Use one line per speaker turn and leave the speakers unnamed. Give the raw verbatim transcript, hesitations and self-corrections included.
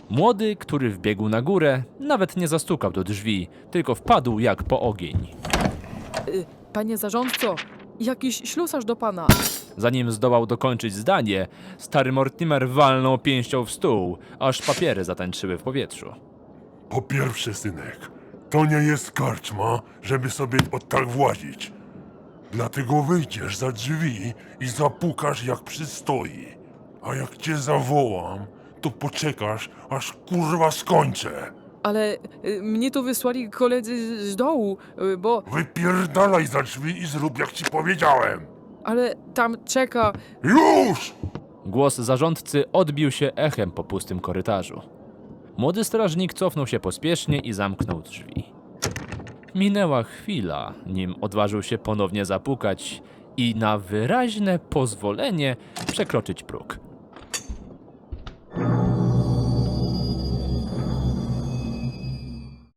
Młody, który wbiegł na górę, nawet nie zastukał do drzwi, tylko wpadł jak po ogień.
Y, Panie zarządco, jakiś ślusarz do pana.
Zanim zdołał dokończyć zdanie, stary Mortimer walnął pięścią w stół, aż papiery zatańczyły w powietrzu.
Po pierwsze, synek, to nie jest karczma, żeby sobie od tak włazić. Dlatego wyjdziesz za drzwi i zapukasz jak przystoi. A jak cię zawołam, to poczekasz, aż kurwa skończę.
Ale y, mnie tu wysłali koledzy z dołu, y, bo...
Wypierdalaj za drzwi i zrób jak ci powiedziałem.
Ale tam czeka...
Już!
Głos zarządcy odbił się echem po pustym korytarzu. Młody strażnik cofnął się pospiesznie i zamknął drzwi. Minęła chwila, nim odważył się ponownie zapukać i na wyraźne pozwolenie przekroczyć próg.